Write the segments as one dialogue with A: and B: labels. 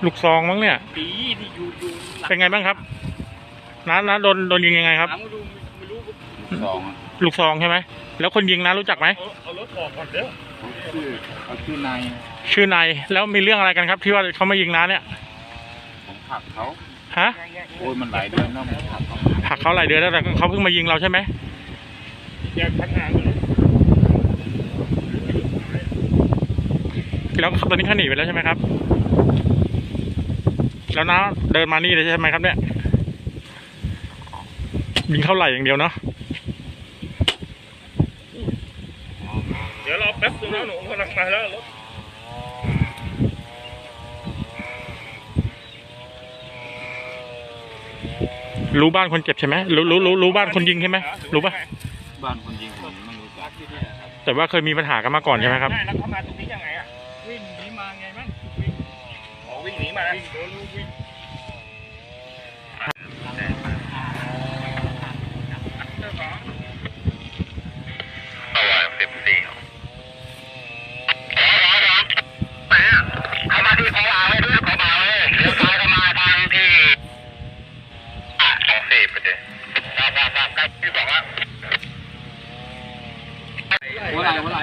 A: ลูกซองมั้งเนี่ย
B: ปีที่อยู่
A: เป็นไงบ้างครับน้าโดนยิงยังไงครับ
B: ไม่รู้
A: ลูกซองใช่ไหมแล้วคนยิงน้ารู้จักไหม
B: เอารถออกก่อนเด้อ
C: ชื่อนาย
A: แล้วมีเรื่องอะไรกันครับที่ว่าเขามายิงน้าเนี่ย
C: ผมผลักเขา
A: ฮะ
C: โอ้ยมันหลายเดือนแล้วผม
A: ผลักเขาหลายเดือนแล้วแต่เขาเพิ่งมายิงเราใช่ไหม
B: แยกพันหาง
A: แล้วตอนนี้เขาหนีไปแล้วใช่ไหมครับแล้วน้าเดินมานี่เลยใช่ไหมครับเนี่ยยิงเข้าไหล่อย่างเดียวเนาะ
B: เดี๋ยวรอแป๊บนึงนะหนูกำลังมาแล้วรถ
A: รู้บ้านคนเจ็บใช่ไหมรู้บ้านคนยิงใช่ไหมรู้ปะ
C: บ้านคนยิงผมไม่รู้จัก
A: แต่ว่าเคยมีปัญหากันมาก่อนใช่ไหมครับ
B: แล้วเขามาตรงนี้ยังไงอ่ะวิ่งหนีมาไงมั้งวิ่งหนีมาวิ่งเขามาที่ของอ่างเลยด้วยของอ่างเลยเลี้ยวซ้ายเข้ามาทางที่2 4ไปเลยใกล้ที่2แล้ว
C: หัวไหล่ขวา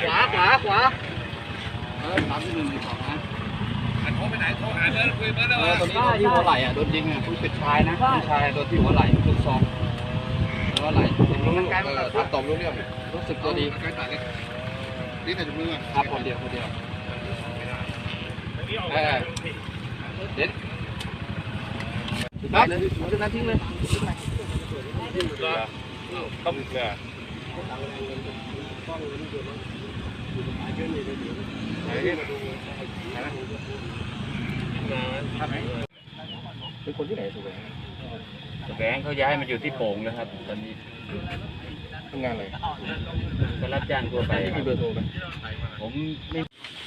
C: 3-1-2นะ
B: โทรไปไหนโทรหาเบอร์คุยเบอร์แล้ว
C: ตอนนี้ที่หัวไหล่โดนยิงผู้เป็นชายนะผู้ชายโดนที่หัวไหล่ลูกซองหัวไหล่ถ้าตบรู้เรื่องรู้สึกตัวดีนี่แต่มือครับคนเดียวเด็ดครับนั้นทิ้งเลย
B: ต้องเนี่ย
C: เป็นคนที่ไหนสุแสวงเขาย้ายมาอยู่ที่โป่งนะครับตอนนี้ทำงานอะไรก็รับจ้างทั่วไปมีเบอร์โทรไหมผมไม่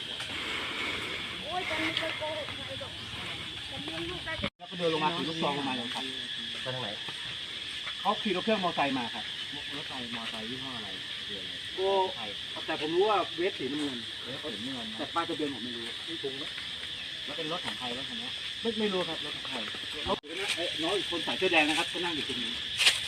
C: แล้วก็เดินลงมาถือลูกซองลงมาเลยครับไปทางไหนเขาขี่รถเครื่องมอเตอร์ไซค์มาครับรถมอเตอร์ไซค์ยี่ห้ออะไรแต่ผมรู้ว่าเวฟสีน้ำเงินแต่ป้ายทะเบียนผมไม่รู้ไม่ตรงแล้วเป็นรถของใครรถคันนี้ไม่รู้ครับรถของใครน้องอีกคนใส่เสื้อแดงนะครับก็นั่งอยู่ตรงนี้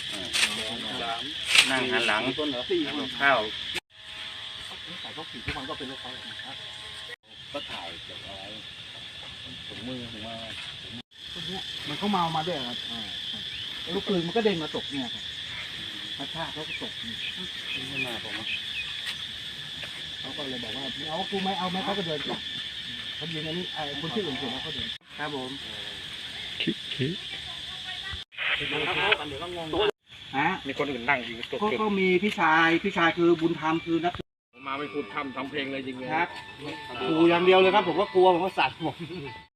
B: นั่งหันหลัง
C: ข้าวใส่พวกสีทุกคนก็เป็นรถเขาครับก็ถ่ายเก็บเอาไว้ถุงมือผมว่ามันเขาเมามาด้วยครับลูกปืนมันก็เด้งมาตกเนี่ยครับกระชากเขาก็ตกไม่มาผมเขาก็เลยบอกว่าเอากูไม่เอาไหมเขาก็เดินกลับเขายิงอันนี้คนที่อื่นเสร็จแล้วเขาเดินครับผม
B: มีคนอื่นนั่งยิงตก
C: ก็มีพี่ชายคือบุญธรรมคือนัก
B: มาไม่พูดทำเพลงเลยจริง
C: ครับกูอย่างเดียวเลยครับผมก็กลัวผมก็สั่นผม